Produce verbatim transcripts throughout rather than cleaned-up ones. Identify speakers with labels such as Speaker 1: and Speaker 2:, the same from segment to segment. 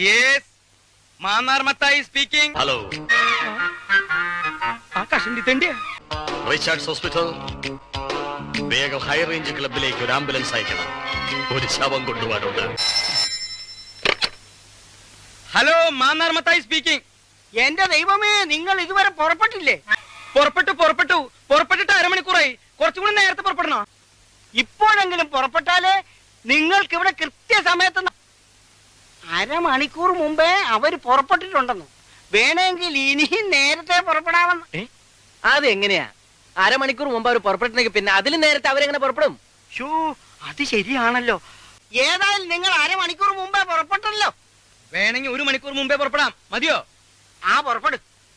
Speaker 1: Yes Mannar Mathai speaking.
Speaker 2: Hello,
Speaker 1: ആ കഷണ്ടി തണ്ടിയാ.
Speaker 2: Richards hospital. വേഗം ഹൈ റേഞ്ച് ക്ലബിലേക്ക് ഒരു ആംബുലൻസ് അയക്കണം. ഒരു ശവം കൊണ്ടുപോകാനുണ്ട്.
Speaker 1: Hello, Mannar Mathai speaking.
Speaker 3: എന്റെ ദൈവമേ, നിങ്ങൾ ഇതുവരെ പുറപ്പെട്ടില്ലേ?
Speaker 1: പുറപ്പെട്ടു പുറപ്പെട്ടു പുറപ്പെട്ടിട്ട് അരമണിക്കൂറായി. കുറച്ചുകൂടി നേരത്തെ പുറപ്പെടണോ?
Speaker 3: ഇപ്പോഴെങ്കിലും പുറപ്പെട്ടാലേ നിങ്ങൾക്ക് ഇവിടെ കൃത്യസമയത്ത്. അരമണിക്കൂർ മുമ്പേ അവര് പുറപ്പെട്ടിട്ടുണ്ടെന്നു. വേണമെങ്കിൽ ഇനിയും നേരത്തെ പുറപ്പെടാമെന്ന്.
Speaker 4: അതെങ്ങനെയാ? അരമണിക്കൂർ മുമ്പ് അവർ പുറപ്പെട്ടെങ്കിൽ പിന്നെ അതിലും നേരത്തെ അവരെങ്ങനെ പുറപ്പെടും?
Speaker 3: ഷൂ, അത് ശരിയാണല്ലോ. ഏതായാലും നിങ്ങൾ അരമണിക്കൂർ മുമ്പേ പുറപ്പെട്ടല്ലോ.
Speaker 1: വേണമെങ്കിൽ ഒരു മണിക്കൂർ മുമ്പേ പുറപ്പെടാം. മതിയോ?
Speaker 3: ആ പുറപ്പെടു.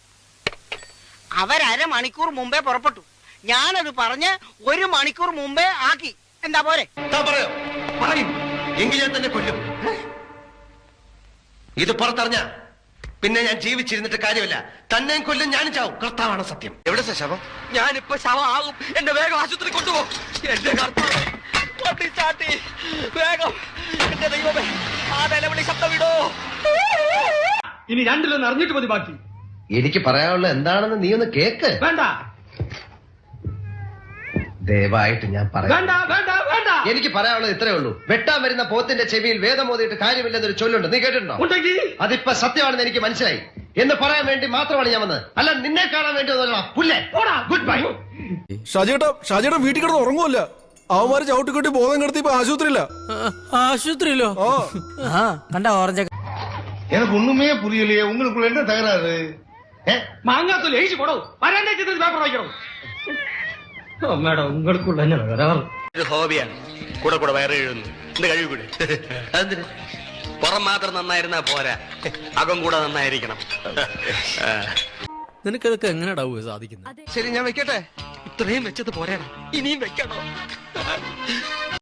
Speaker 3: അവരമണിക്കൂർ മുമ്പേ പുറപ്പെട്ടു. ഞാനത് പറഞ്ഞ് ഒരു മണിക്കൂർ മുമ്പേ ആക്കി. എന്താ പോരെ?
Speaker 5: പറയോ പറയും എങ്കിൽ ഞാൻ തന്നെ കൊല്ലും. ഇത് പുറത്തറിഞ്ഞ പിന്നെ ഞാൻ ജീവിച്ചിരുന്നിട്ട് കാര്യമില്ല. തന്നെയും കൊല്ലും, ഞാനും ചാവും. കർത്താവാണ് സത്യം. എവിടെ ശവം?
Speaker 1: ഞാനിപ്പോ ശവമാകും. എന്റെ വേഗം ആശുപത്രി കൊണ്ടുപോകും. എന്റെ കർത്താവ്, വണ്ടി ചാട്ടി വേഗം. എന്റെ ദൈവമേ, ആ നിലവിളി ശബ്ദം വിടോ.
Speaker 6: ഇനി രണ്ടിലൊന്ന് അറിഞ്ഞിട്ട് മതി ബാക്കി.
Speaker 5: എനിക്ക് പറയാനുള്ള എന്താണെന്ന് നീ ഒന്ന് കേക്ക്.
Speaker 6: വേണ്ട
Speaker 5: ദയവായിട്ട് ഞാൻ പറയാം.
Speaker 6: വേണ്ട വേണ്ട വേണ്ട.
Speaker 5: എനിക്ക് പറയാനുള്ളത് ഇത്രേ ഉള്ളൂ. വെട്ടാൻ വരുന്ന പോത്തിന്റെ ചെവിയിൽ വേദം ഓതിയിട്ട് കാര്യമില്ലെന്നൊരു ചൊല്ലുണ്ട്. നീ കേട്ടിട്ടുണ്ടോ?
Speaker 6: ഉണ്ടെങ്കിൽ
Speaker 5: അതിപ്പോ സത്യമാണെന്ന് എനിക്ക് മനസ്സിലായി. എന്ന് പറയാൻ വേണ്ടി മാത്രമാണ് ഞാൻ വന്നത്. അല്ല നിന്നെ കാണാൻ വേണ്ടി പുല്ലേ. Good bye.
Speaker 7: ഷാജിയേട്ടാ, ഷാജിയേട്ടൻ വീട്ടിൽ കിടന്ന് ഉറങ്ങുമല്ല. അവന്മാര് ചവിട്ടിക്കൊട്ടി ബോധം കിടത്തി ഇപ്പൊ ആശുപത്രിയില്ല.
Speaker 4: ആശുപത്രിയിലോ? കണ്ട ഓറഞ്ച്.
Speaker 8: எனக்கு ஒண்ணுமே புரியலையே. உங்களுக்குள்ள என்ன தகராறு?
Speaker 6: മാങ്ങാത്തൊലി എഴുതി പോടോ. വരാണ്ടേ ചിത്രത്തിൽ പേപ്പർ വായിക്കണം. മേഡം, ഉങ്ങൾക്കുള്ള തന്നെ തകരാറ്.
Speaker 2: ഇത് ഹോബിയാണ്. കൂടെ കൂടെ വയറ് എഴുതുന്നു. എന്ത് കഴിവ് കൂടെ. അതെന്തിന്? പുറം മാത്രം നന്നായിരുന്നാ പോരാ, അകം കൂടെ നന്നായിരിക്കണം.
Speaker 4: നിനക്കതൊക്കെ എങ്ങനെയാ സാധിക്കുന്നത്?
Speaker 5: ശരി, ഞാൻ വെക്കട്ടെ.
Speaker 1: ഇത്രയും വെച്ചത് പോരാ, ഇനിയും വെക്കണോ?